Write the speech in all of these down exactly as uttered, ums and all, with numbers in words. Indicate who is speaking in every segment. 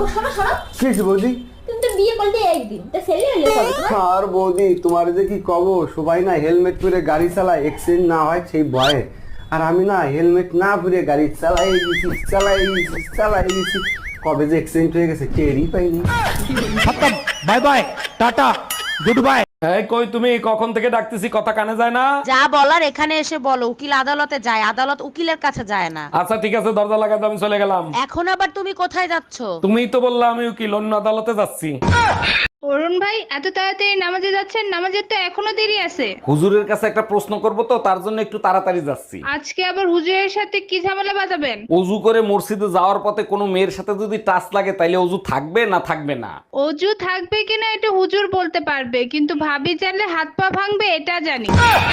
Speaker 1: ওগো শোনো শোনো।
Speaker 2: কি হয়েছে বৌদি?
Speaker 1: তুমি তো বিয়ে করলে একদিন, তা ছেলে হলে কবে তোমার?
Speaker 2: আর বৌদি তোমার যে কি কব, সবাই না হেলমেট পরে গাড়ি চালায়, অ্যাক্সিডেন্ট না হয় সেই ভয়ে। আর আমি না হেলমেট না পরে গাড়ি চালাই গেছি চালাই গেছি চালাই গেছি, কবে যে অ্যাক্সিডেন্ট হয়ে গেছে টেরই পাইনি।
Speaker 3: খতম, bye bye, tata, goodbye.
Speaker 4: এই কই তুমি? কখন থেকে ডাকতেছি, কথা কানে যায় না?
Speaker 5: যা বলার এখানে এসে বলো। উকিল আদালতে যায়, আদালত উকিলের কাছে যায় না।
Speaker 4: আচ্ছা ঠিক আছে, দরজা লাগাই দাও, আমি চলে গেলাম।
Speaker 5: এখন আবার তুমি কোথায় যাচ্ছ?
Speaker 4: তুমিই তো বললা আমি উকিল, অন্য আদালতে যাচ্ছি।
Speaker 6: অরুণ ভাই এত তাড়াতাড়ি নামাজে যাচ্ছেন? নামাজের তো এখনো দেরি আছে।
Speaker 4: হুজুরের কাছে একটা প্রশ্ন করব তো, তার জন্য একটু তাড়াতাড়ি যাচ্ছি।
Speaker 6: আজকে আবার হুজুরের সাথে কি ঝামেলা বাঁধাবেন?
Speaker 4: অজু করে মসজিদে যাওয়ার পথে কোনো মেয়ের সাথে যদি টাচ লাগে তাইলে অজু থাকবে না থাকবে না?
Speaker 6: অজু থাকবে কিনা এটা হুজুর বলতে পারবে, কিন্তু ভাবি চাইলে হাত পা ভাঙবে এটা জানি।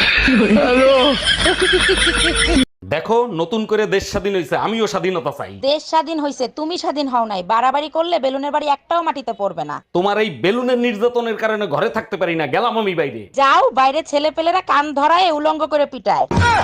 Speaker 4: দেখো, নতুন করে দেশ স্বাধীন হয়েছে, আমিও স্বাধীনতা চাই।
Speaker 5: দেশ স্বাধীন হইছে, তুমি স্বাধীন হও নাই। বাড়াবাড়ি করলে বেলুনের বাড়ি একটাও মাটিতে পড়বে না।
Speaker 4: তোমার এই বেলুনের নির্যাতনের কারণে ঘরে থাকতে পারি না, গেলাম আমি বাইরে।
Speaker 5: যাও বাইরে, ছেলে পেলেরা কান ধরায় উলঙ্গ করে পিটায়।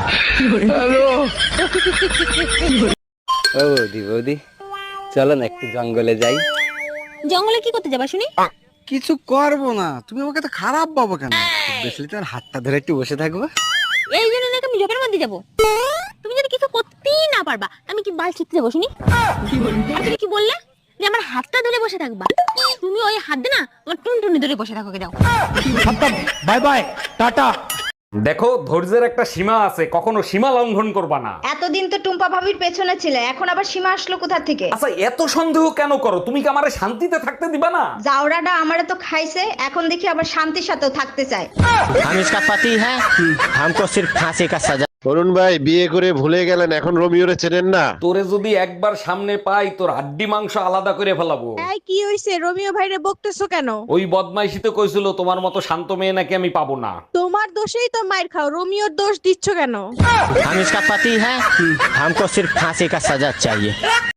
Speaker 2: ও বৌদি বৌদি চলো না একটু জঙ্গলে যাই।
Speaker 1: জঙ্গলে কি করতে যাবা শুনি?
Speaker 2: কিছু করবো না, তুমি আমাকে তো খারাপ পাবো কেন? বেশি তোমার হাতটা ধরে একটু বসে থাকবো।
Speaker 1: এই জন্য নাকি আমি জবের মধ্যে যাবো? তুমি যদি কিছু করতেই না পারবা, আমি কি বাল ছিটতে যাবো শুনি? আর তুমি কি বললে যে আমার হাতটা ধরে বসে থাকবা? তুমি ওই হাত দে না আমার টুনটুনি ধরে বসে থাকো, যাও।
Speaker 3: খতম, বাই বাই, টাটা।
Speaker 4: দেখো, ধৈর্যের একটা সীমা আছে, কখনো সীমা লঙ্ঘন করবা না।
Speaker 7: এতদিন তো টুম্পা ভাবির পেছনে ছিলে, এখন আবার সীমা আসলো কোথা থেকে?
Speaker 4: আচ্ছা এত সন্দেহ কেন করো? তুমি কি আমারে শান্তিতে থাকতে দিবা না?
Speaker 7: জাউরাটা আমারে তো খাইছে, এখন দেখি আবার শান্তির সাথেও থাকতে চায়।
Speaker 8: हम इसका पति है, हमको सिर्फ फांसी का सजा।
Speaker 9: অরুণ ভাই বিয়ে করে ভুলে গেলেন, এখন রোমিওরে চেনেন না?
Speaker 4: তোরে যদি একবার সামনে পাই, তোর হাড্ডি মাংস আলাদা করে ফেলাবো।
Speaker 10: এই কি হইছে? রোমিও ভাইরে বকতেছো কেন?
Speaker 4: ওই বদমাইশিতে কইছিল তোমার মতো শান্ত মেয়ে নাকি আমি পাবো না।
Speaker 10: তোমার দোষেই তো মাইর খাও, রোমিওর দোষ দিচ্ছ কেন?
Speaker 8: हम इसका पति है, हमको सिर्फ फांसी का सजा चाहिए।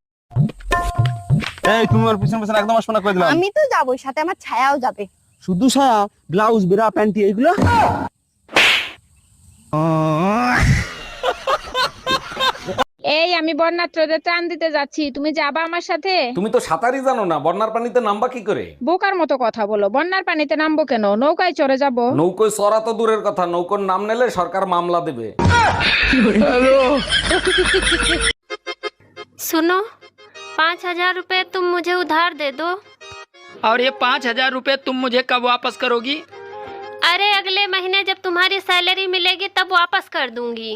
Speaker 2: এই তুমি আমার পিছন পিছন একদম আসবে না কই দিলাম।
Speaker 10: আমি তো যাবই, সাথে আমার ছায়াও যাবে।
Speaker 2: শুধু সায়া, ব্লাউজ, বেরা, প্যান্টি এইগুলো?
Speaker 6: এই আমি বন্যাত্রদের ত্রাণ দিতে যাচ্ছি, তুমি যাবা আমার সাথে?
Speaker 4: তুমি তো সাঁতারই জানো না, বন্যার পানিতে নামবা কি করে?
Speaker 6: বোকার মতো কথা বলো, বন্যার পানিতে নামবো কেন? নৌকায় চড়ে যাব।
Speaker 4: নৌকোয় চড়া তো দূরের কথা, নৌকোর নাম নিলে সরকার মামলা দেবে।
Speaker 11: सुनो, पाँच हजार रुपए तुम मुझे उधार दे दो।
Speaker 3: और ये पाँच हजार रुपए तुम मुझे कब वापस करोगी?
Speaker 11: अरे अगले महीने जब तुम्हारी सैलरी मिलेगी तब वापस कर दूंगी।